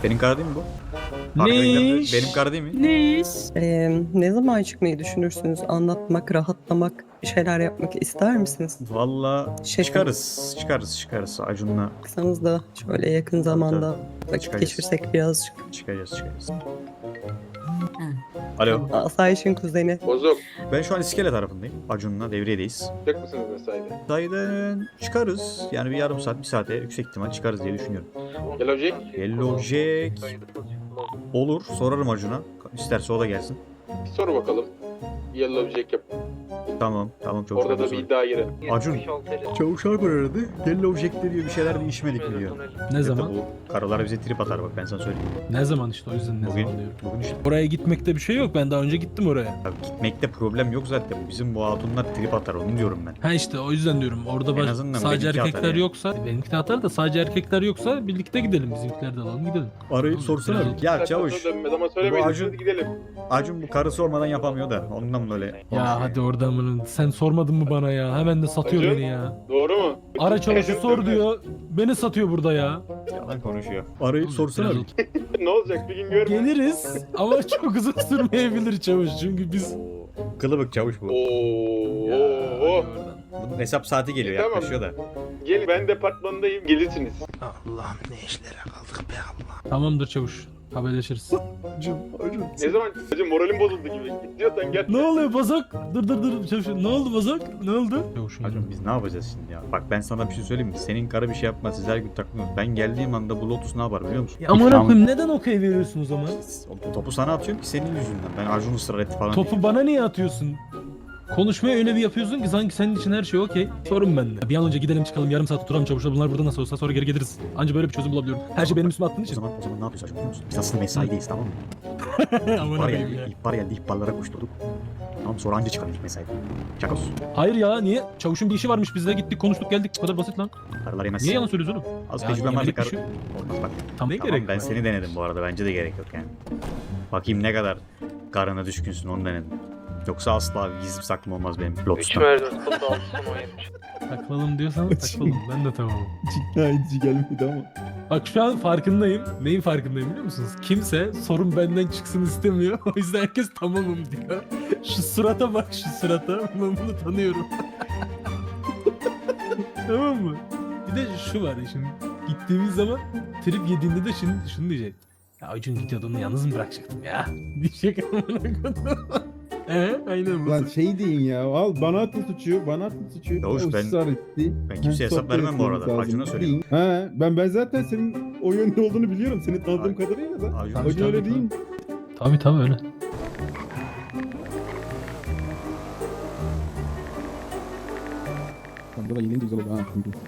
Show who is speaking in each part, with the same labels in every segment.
Speaker 1: Benim kar değil mi bu?
Speaker 2: Ne
Speaker 1: Arkadakiler
Speaker 2: iş?
Speaker 1: benim kar değil mi?
Speaker 2: Ne iş?
Speaker 3: Ne zaman çıkmayı düşünürsünüz? Anlatmak, rahatlamak, bir şeyler yapmak ister misiniz?
Speaker 1: Valla
Speaker 3: Şefim.
Speaker 1: çıkarız Acun'la
Speaker 3: Baksanız da şöyle yakın zamanda vakit
Speaker 1: Çıkarız.
Speaker 3: geçirsek birazcık.
Speaker 1: çıkacağız. Alo.
Speaker 3: Asayiş'in kuzeni.
Speaker 4: Bozuk.
Speaker 1: Ben şu an iskele tarafındayım. Acun'la devriyedeyiz.
Speaker 4: Çıkacak mısınız mesaide?
Speaker 1: Dayıdan çıkarız. Yani bir yarım saat, bir saate yüksek ihtimal çıkarız diye düşünüyorum.
Speaker 4: Yellow Jack.
Speaker 1: Yellow Jack. Olur. Sorarım Acun'a. İsterse o da gelsin.
Speaker 4: Bir soru bakalım. Yellow Jack yap.
Speaker 1: Tamam çok
Speaker 4: Orada da
Speaker 1: güzel.
Speaker 4: bir iddia yeri.
Speaker 1: Acun. Çavuş Alper aradı. Yellow Jack diyor bir şeyler değişmedik mi diyor.
Speaker 2: Ne zaman?
Speaker 1: Bu karılar bize trip atar bak ben sana söyleyeyim.
Speaker 2: Ne zaman işte o yüzden ne
Speaker 1: Bugün,
Speaker 2: zaman diyorum.
Speaker 1: bugün işte.
Speaker 2: Oraya gitmekte bir şey yok. Ben daha önce gittim oraya.
Speaker 1: Abi gitmekte problem yok zaten. Bizim bu hatunlar trip atar onu diyorum ben.
Speaker 2: Ha işte o yüzden diyorum. Orada
Speaker 1: En azından
Speaker 2: sadece
Speaker 1: benimki
Speaker 2: erkekler
Speaker 1: atar ya.
Speaker 2: yoksa benimki de atar da sadece erkekler yoksa birlikte gidelim. Bizimkiler de alalım gidelim.
Speaker 1: Arayıp
Speaker 2: Tamam,
Speaker 1: sorsana.
Speaker 2: biraz-
Speaker 1: Ya çavuş.
Speaker 4: Dönmez ama söylemeyin.
Speaker 1: Bu Acun-
Speaker 4: Hadi gidelim.
Speaker 1: Acun bu karısı olmadan yapamıyor da ondan böyle.
Speaker 2: Ya hadi oradan bunu. Sen sormadın mı bana ya? Hemen de satıyor
Speaker 4: Acun?
Speaker 2: beni ya.
Speaker 4: Doğru mu?
Speaker 2: Ara çavuşu
Speaker 4: Acun
Speaker 2: sor
Speaker 4: dönmez.
Speaker 2: diyor. Beni satıyor burada ya.
Speaker 1: Yalan konuşuyor. Arayıp sorsana.
Speaker 2: Biraz
Speaker 1: bir.
Speaker 2: otur.
Speaker 4: Ne olacak bir gün görme.
Speaker 2: Geliriz ama çok uzun sürmeyebilir çavuş. Çünkü biz...
Speaker 1: Kılıbık çavuş bu.
Speaker 4: Oo.
Speaker 1: Bunun hesap saati geliyor
Speaker 4: Tamam.
Speaker 1: yaklaşıyor da.
Speaker 4: Gelin ben departmandayım. Gelirsiniz.
Speaker 2: Tamamdır çavuş. Haberleşiriz.
Speaker 1: Acun.
Speaker 4: Ne zaman? Acun moralim bozuldu gibi. Gidiyorsan gel.
Speaker 2: Ne oluyor Bozok? Dur çavuş. Ne oldu Bozok? Ne oldu? Çavuşum.
Speaker 1: Acun biz ne yapacağız şimdi ya? Bak ben sana bir şey söyleyeyim mi? Senin karı bir şey yapmaz. Siz her gün takılıyorsunuz. Ben geldiğim anda bu Lotus ne yapar biliyor musun?
Speaker 2: Ya amına koyayım neden okey veriyorsun o zaman?
Speaker 1: O topu sana atıyorum ki senin yüzünden. Ben Acun ısrar etti falan.
Speaker 2: Topu bana niye atıyorsun? Konuşmaya öyle bir yapıyorsun ki sanki senin için her şey okey. Sorun bende. Bir an önce gidelim çıkalım yarım saat oturalım çavuşla bunlar burada nasıl olsa sonra geri geliriz. Anca böyle bir çözüm bulabiliyorum. Her şey benim üstüme attığın
Speaker 1: O
Speaker 2: için.
Speaker 1: zaman ne yapıyoruz Acun biliyor musun? Biz aslında mesaideyiz tamam mı?
Speaker 2: Amına
Speaker 1: İhbar
Speaker 2: koyayım
Speaker 1: geldi,
Speaker 2: ya.
Speaker 1: ihbar geldi, ihbarlara koşturduk. Tamam sonra anca çıkalım ilk mesaide. Çakos.
Speaker 2: Hayır ya niye? Çavuşun bir işi varmış biz de gittik konuştuk geldik. Bu kadar basit lan.
Speaker 1: Karılar yemez.
Speaker 2: Niye yalan söylüyorsun oğlum?
Speaker 1: Az
Speaker 2: Ya,
Speaker 1: tecrübem var da
Speaker 2: yemelik bir
Speaker 1: karı...
Speaker 2: şey-
Speaker 1: Olmaz bak.
Speaker 2: Tam ne
Speaker 1: Tamam
Speaker 2: gerek
Speaker 1: ben
Speaker 2: var?
Speaker 1: seni denedim bu arada. Bence de gerek yok yani. Bakayım ne kadar karına düşkünsün onu denedim. Yoksa asla gizli saklım olmaz benim Lotus'tan.
Speaker 2: Takılalım diyorsan takılalım. Ben de tamamım.
Speaker 5: İkna edici gelmedi ama.
Speaker 2: Bak şu an farkındayım. Neyin farkındayım biliyor musunuz? Kimse sorun benden çıksın istemiyor. O yüzden herkes tamamım diyor. Şu surata bak şu surata. Ben bunu tanıyorum. Tamam mı? Bir de şu var ya şimdi. Gittiğimiz zaman trip yediğinde de şimdi şunu diyecek. Ya Acun gidiyordu onu yalnız mı bırakacaktım ya? Diyecek amına koyayım. Aynen bu.
Speaker 5: Lan şey deyin ya. Al bana atın suçu. Bana atın suçu.
Speaker 1: Yavuş,
Speaker 5: O
Speaker 1: ben-
Speaker 5: ısrar etti.
Speaker 1: ben kimseye hesap
Speaker 5: sohbet
Speaker 1: vermem bu
Speaker 5: etmemiz
Speaker 1: arada.
Speaker 5: lazım.
Speaker 1: Acun'a söyleyeyim.
Speaker 5: Deyin. He, ben zaten senin o yönde olduğunu biliyorum. Seni tanıdığım kadarıyla da.
Speaker 1: Acun,
Speaker 2: Tabii,
Speaker 5: Acun öyle
Speaker 2: tabii.
Speaker 5: değil.
Speaker 2: Tabii öyle.
Speaker 5: Lan burada yine güzel oldu ha.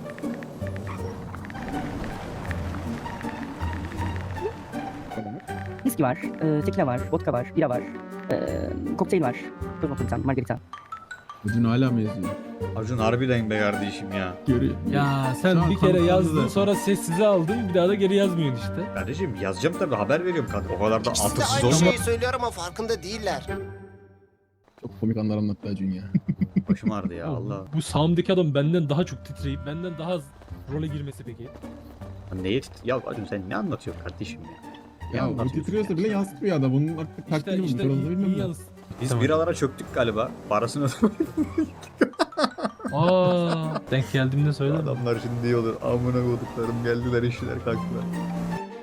Speaker 6: Viski var, tekila var, vodka var, bira var, kokteyl var. Dur bakayım sen, margarita.
Speaker 5: Acun hala mı yazıyor?
Speaker 1: Acun harbiden be kardeşim ya.
Speaker 5: Görüyor.
Speaker 2: Ya
Speaker 5: Şu
Speaker 2: sen
Speaker 5: an
Speaker 2: bir kere
Speaker 5: kanıtlandı
Speaker 2: yazdın
Speaker 5: zaten.
Speaker 2: sonra sessize aldın bir daha da geri yazmıyorsun işte.
Speaker 1: Kardeşim yazacağım tabii haber veriyorum kadın. O kadar da
Speaker 7: İkisi de
Speaker 1: atırsız
Speaker 7: aynı
Speaker 1: olma.
Speaker 7: şeyi söylüyor ama farkında değiller.
Speaker 5: Çok komik anlar anlattı Acun ya.
Speaker 1: Başım ağrıdı ya Allah.
Speaker 2: Bu sağımdaki adam benden daha çok titreyip benden daha az role girmesi peki.
Speaker 1: Neye Ya Acun sen ne anlatıyorsun kardeşim ya? Ne
Speaker 5: Ya o
Speaker 1: anlatıyorsun
Speaker 5: titriyorsa
Speaker 1: ya?
Speaker 5: bile yansıtmıyor adam. Bunun artık
Speaker 2: İşte,
Speaker 5: taktiği mi?
Speaker 2: işte
Speaker 5: Sorun
Speaker 2: iyi
Speaker 5: bilmem ne.
Speaker 2: yalnız.
Speaker 1: Biz
Speaker 2: Tamam.
Speaker 1: biralara çöktük galiba. Parasını
Speaker 2: Aa, denk geldiğimde söylerim.
Speaker 1: Adamlar şimdi diyorlar amına koduklarım geldiler işler kalktılar.